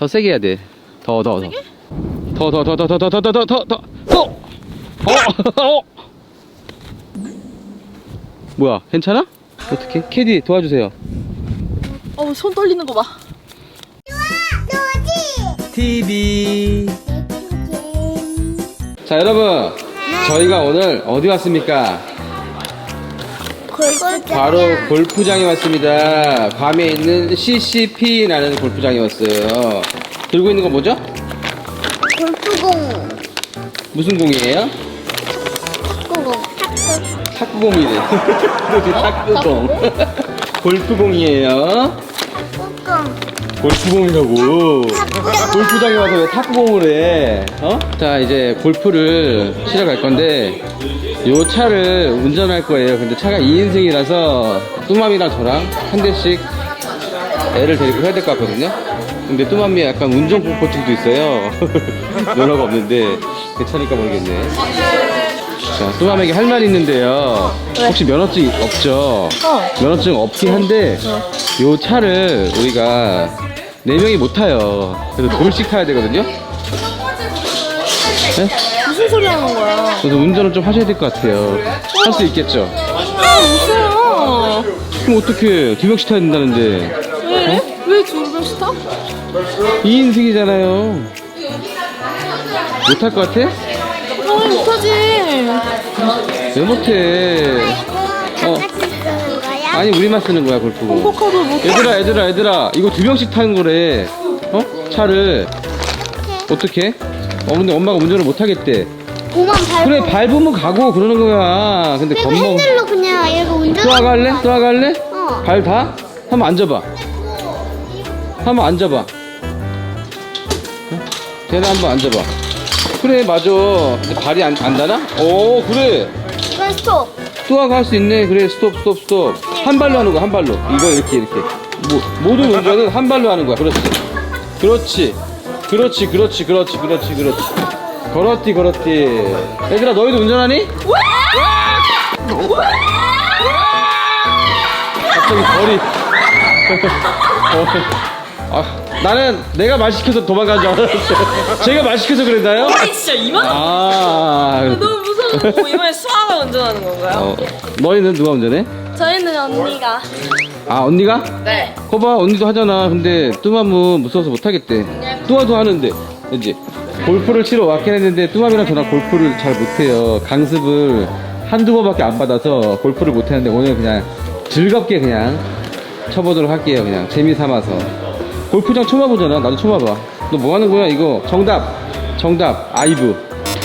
더 세게 해야 돼. 더. 뭐야, 괜찮아? 어떻게? 캐디 도와주세요. 손 떨리는 거 봐. TV. 자, 여러분, 저희가 오늘 어디 왔습니까? 바로 골프장에 왔습니다. 괌에 있는 CCP라는 골프장에 왔어요. 들고 있는 거 뭐죠? 골프공. 무슨 공이에요? 탁구공. 탁구공이래. 탁구공. 골프공이에요. 탁구공. 골프공이라고. 골프장에 와서 왜 탁구공을 해? 자, 이제 골프를 치러 갈 건데, 요 차를 운전할 거예요. 근데 차가 2인승이라서 뚜맘이랑 저랑 한 대씩 애를 데리고 해야 될 것 같거든요. 근데 뚜맘이 약간 운전 공포증도 있어요. 면허가 없는데 괜찮을까 모르겠네. 자, 뚜맘에게 할 말이 있는데요. 혹시 면허증 없죠? 면허증 없긴 한데 요 차를 우리가 4명이 못 타요. 그래서 둘씩 타야 되거든요. 네? 무슨 소리 하는 거야? 그래서 운전을 좀 하셔야 될 것 같아요. 할 수 있겠죠? 무서워. 그럼 어떻게 2명씩 타야 된다는데? 왜? 왜 두 명씩 타? 2인승이잖아요. 못 탈 것 같아? 못하지. 왜 못해? 아니, 우리만 쓰는 거야, 골프공. 콩코카도 못해. 얘들아, 이거 2명씩 타는 거래. 차를. 어떻게? 근데 엄마가 운전을 못 하겠대. 고만 밟고. 그래, 밟으면 가고 그러는 거야. 근데 그리고 겁먹. 핸들로 그냥 얘가 운전. 또 와갈래? 어. 발 다? 한번 앉아봐. 한번 앉아봐. 걔네 한번 앉아봐. 그래, 맞아. 근데 발이 안 닿나? 오, 그래. 이건 스톱. 뚜아가 할 수 있네. 그래, 스톱. 한 발로 하는 거야, 한 발로. 이거 이렇게. 모든 운전은 한 발로 하는 거야. 그렇지. 얘들아, 너희도 운전하니? 갑자기 벌이. 나는 내가 말 시켜서 도망간 줄 알았어. 제가 말 시켜서 그랬나요? 진짜 이만. 너무 무서워. 이번에 수아가 운전하는 건가요? 너희는 누가 운전해? 저희는 언니가. 언니가? 네. 거봐, 언니도 하잖아. 근데 뚜맘은 무서워서 못하겠대. 뚜아도 하는데, 그치? 골프를 치러 왔긴 했는데 뚜맘이랑 저랑 골프를 잘 못해요. 강습을 한두 번밖에 안 받아서 골프를 못했는데 오늘 그냥 즐겁게 그냥 쳐보도록 할게요. 그냥 재미삼아서. 골프장 처음 와보잖아. 나도 처음 와봐. 너 뭐 하는 거야? 이거 정답 아이브.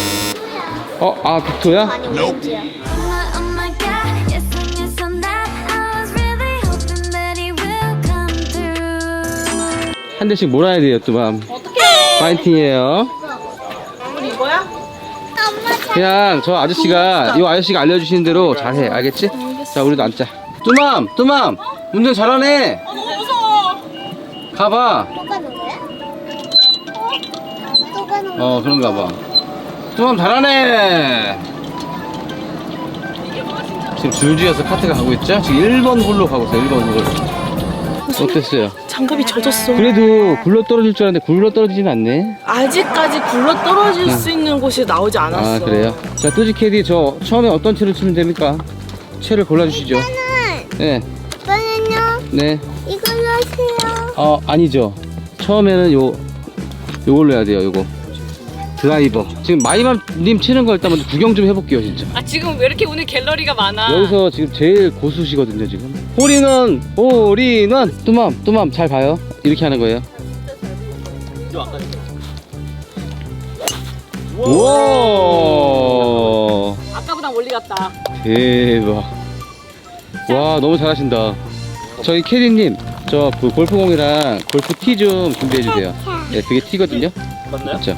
빅토야? 아니 오렌지야. 한 대씩 몰아야 돼요, 뚜맘. 어떡해. 파이팅이에요. 우리 이거야? 그냥 저 아저씨가 이 아저씨가 알려주시는 대로 잘해. 알겠지? 자, 우리도 앉자. 뚜맘 운전 잘하네. 너무 무서워. 가봐. 또 가는 거야? 또 가는 거야? 그런가 봐. 뚜맘 잘하네. 지금 줄지어서 카트가 가고 있죠? 지금 1번 홀로 가고 있어요. 1번 홀로. 어땠어요? 장갑이 젖었어. 그래도 굴러 떨어질 줄 알았는데 굴러 떨어지진 않네. 아직까지 굴러 떨어질 수 있는 곳이 나오지 않았어. 그래요? 자, 뚜지 캐디, 저 처음에 어떤 채를 치면 됩니까? 채를 골라주시죠. 네. 저는요 네. 이걸로 하세요. 아니죠. 처음에는 요걸로 해야 돼요. 요거 드라이버. 지금 마이맘님 치는 거 일단 먼저 구경 좀 해볼게요, 진짜. 지금 왜 이렇게 오늘 갤러리가 많아? 여기서 지금 제일 고수시거든요, 지금. 홀인원. 뚜맘 잘 봐요. 이렇게 하는 거예요. 우와, 아까보다 멀리 갔다. 대박. 와, 너무 잘하신다. 저희 캐디님, 저 그 골프공이랑 골프 티 좀 준비해 주세요. 예, 그게 티거든요. 맞나요? 맞죠?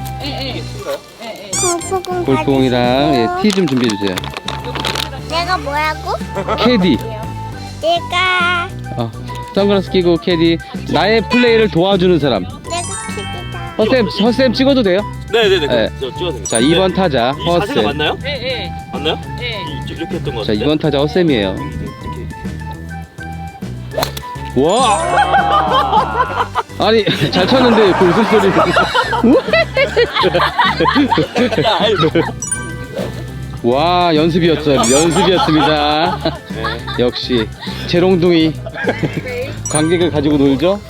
골프공 골프공이랑 티 좀 준비해 주세요. 내가 뭐라고? 캐디. 내가 선글라스 끼고 캐디. 나의 플레이를 도와주는 사람. 키즈다. 허쌤 찍어도 돼요? 네네네. 네. 저 찍어도 됩니다. 자, 2번 타자 이 자세가 허쌤. 맞나요? 네. 맞나요? 네. 이렇게 했던 것 자, 같은데. 2번 타자 허쌤이에요. 와! 아니, 잘 쳤는데 그 웃음소리. 와, 연습이었습니다. 역시 재롱둥이 관객을 가지고 놀죠.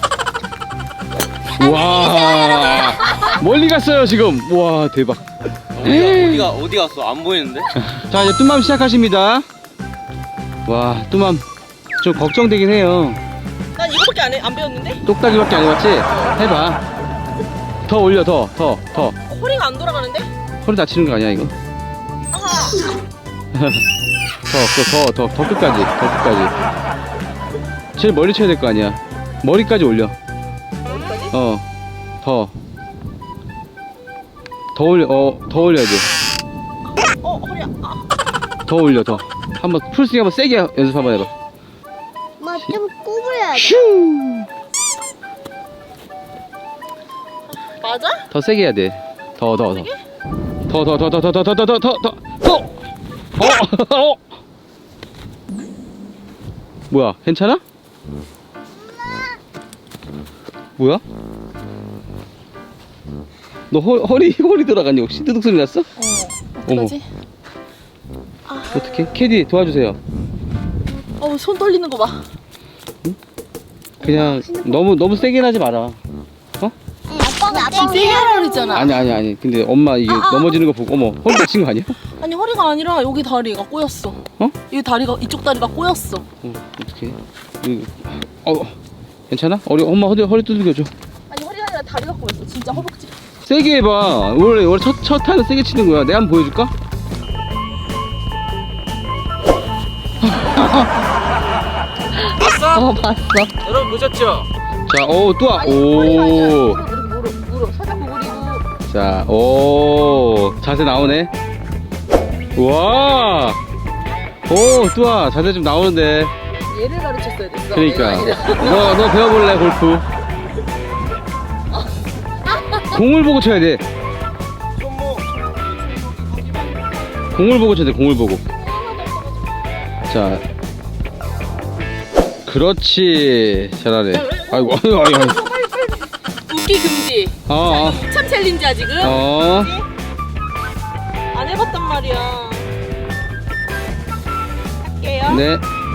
와, 멀리 갔어요 지금. 와, 대박. 어디 갔어? 안 보이는데? 자, 이제 뚜맘 시작하십니다. 와, 뚜맘 좀 걱정되긴 해요. 난 이거밖에 안 배웠는데? 똑딱이밖에 안 해봤지? 해봐. 더 올려, 더. 허리가 안 돌아가는데? 허리 다치는 거 아니야 이거? 아하. 더 끝까지. 제일 멀리 쳐야 될 거 아니야. 머리까지 올려. 여기까지? 더 올려. 더 올려야지. 허리야. 더 올려, 더. 한번 풀스윙 한번 세게 연습 한번 해봐. 뭐 좀 구부려야 돼. 슈! 맞아? 더 세게 해야 돼. 더. 뭐야, 괜찮아? 뭐야? 너 허리 돌아가니 혹시 뜨둑 소리 났어? 어머. 어떡하지? 어떻게? 캐디 도와주세요. 손 떨리는 거 봐. 그냥 너무 세게 하지 마라. 아빠가 세게 하라 그랬잖아. 아니. 근데 엄마 이게 넘어지는 거 보고 어머 허리 다친 거 아니야? 아니 허리가 아니라 여기 다리가 꼬였어. 어? 이쪽 다리가 꼬였어. 어떻게? 괜찮아? 엄마 허리 두들겨줘. 아니 허리가 아니라 다리가 꼬였어. 진짜 허벅지. 세게 해봐. 원래 첫 타는 세게 치는 거야. 내가 한번 보여줄까? 봤어? 봤어. 여러분 보셨죠? 자, 또 아니 허리가 아니라 오. 무릎 살짝 구부리고. 자, 오. 자세 나오네. 와. 뚜아 자세 좀 나오는데. 얘를 가르쳤어야 됐어. 그러니까. 너 배워볼래 골프? 공을 보고 쳐야 돼. 공을 보고 쳐야 돼. 공을 보고. 자. 그렇지. 잘하네. 아이고. 웃기 금지. 참 챌린지야 지금. 안 해봤단 말이야. 할게요. 네.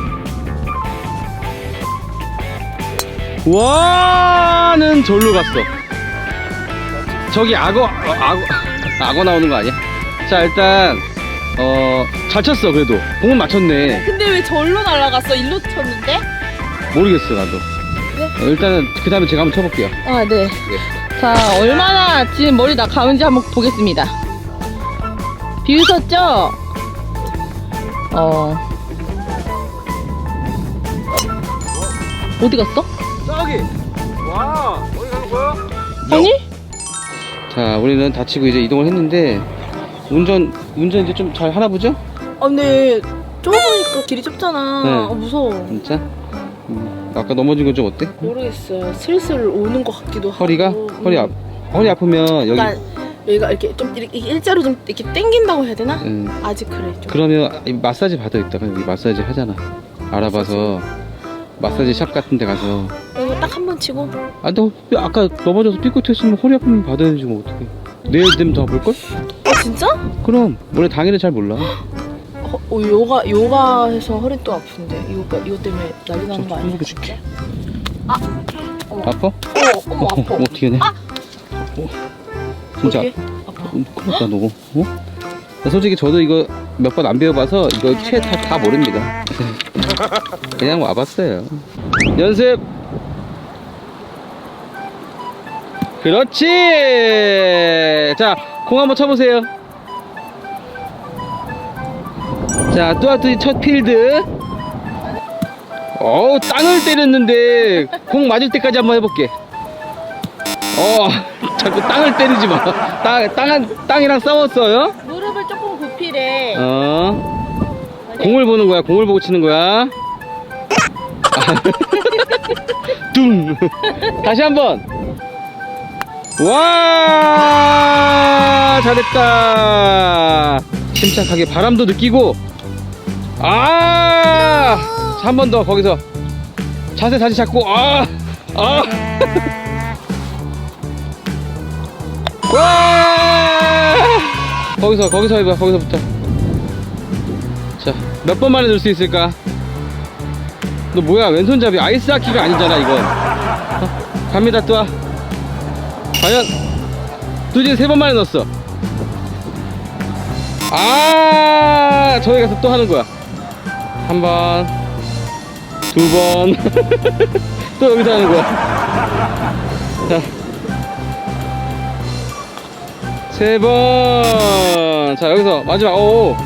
와는 절로 갔어. 저기 악어 나오는 거 아니야? 자, 일단 잘 쳤어. 그래도 공은 맞췄네. 근데 왜 절로 날아갔어? 일로 쳤는데? 모르겠어 나도. 일단은 그 다음에 제가 한번 쳐볼게요. 네. 자, 얼마나 지금 머리 나가는지 한번 보겠습니다. 비웃었죠? 어디 갔어? 저기! 와! 어디 가는 거야? 아니? 자, 우리는 다치고 이제 이동을 했는데 운전 이제 좀 잘 하나 보죠? 근데 좁으니까 길이 좁잖아. 네. 무서워. 진짜? 아까 넘어진 건 좀 어때? 모르겠어요. 슬슬 오는 것 같기도 하고. 허리가? 허리 아프면 여기 그러니까 여기가 이렇게 좀 이렇게 일자로 좀 이렇게 당긴다고 해야 되나? 아직 그래 좀. 그러면 이 마사지 받아야겠다. 여기 마사지 하잖아. 알아봐서 마사지 샵 같은 데 가서. 이거 딱 한 번 치고. 너 아까 넘어져서 삐끗했으면 허리 아프면 받아야지 뭐 어떡해. 내일 되면 더 아플걸? 진짜? 그럼 원래 당일은 잘 몰라. 요가 해서 허리 또 아픈데 이거 때문에 난리 나는 거 아니야? 줄게. 어머. 아파? 어머 아파. 어떻게 해? 진짜 어떻게? 아파. 큰일 났다 너. 솔직히 저도 이거 몇 번 안 배워봐서 이거 다 모릅니다. 그냥 와봤어요. 연습. 그렇지. 자, 공 한번 쳐보세요. 자, 뚜아뚜이 첫 필드. 땅을 때렸는데 공 맞을 때까지 한번 해볼게. 자꾸 땅을 때리지 마. 땅이랑 싸웠어요? 무릎을 조금 굽히래. 공을 보는 거야. 공을 보고 치는 거야. 둥. 다시 한번. 와, 잘했다. 침착하게 바람도 느끼고. 한 번 더 거기서. 자세 다시 잡고 아! 와! 거기서 해봐. 거기서부터. 자, 몇 번 만에 넣을 수 있을까? 너 뭐야? 왼손잡이 아이스하키가 아니잖아 이건. 갑니다. 또 와. 과연 뚜지 3번 만에 넣었어. 아, 저기 가서 또 하는 거야. 1번, 2번, 또 여기서 하는 거야. 자, 3번. 자, 여기서 마지막. 오.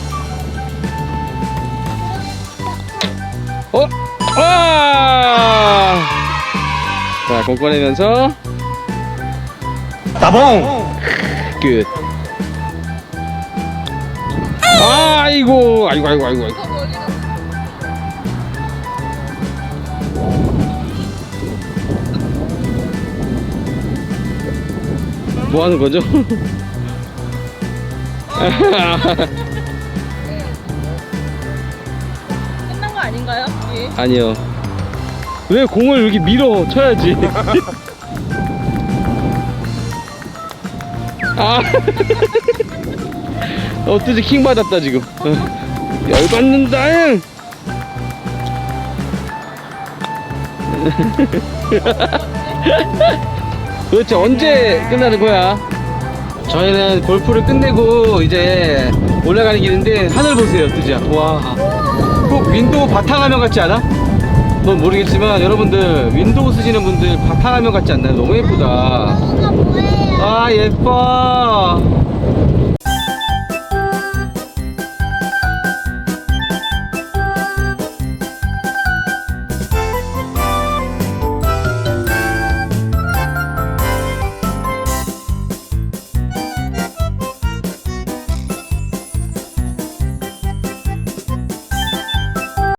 와! 자, 공 꺼내면서 따봉! 끝. 아이고. 뭐 하는 거죠? 끝난 거 아닌가요? 예. 아니요. 왜 공을 여기 밀어 쳐야지. 아. 뚜지 킹 받았다 지금. 열받는다. 도대체 언제 끝나는 거야? 저희는 골프를 끝내고 이제 올라가는 길인데 하늘 보세요, 뚜지야. 와, 꼭 윈도우 바탕화면 같지 않아? 넌 모르겠지만 여러분들 윈도우 쓰시는 분들 바탕화면 같지 않나요? 너무 예쁘다. 뭐가 뭐예요? 아, 예뻐.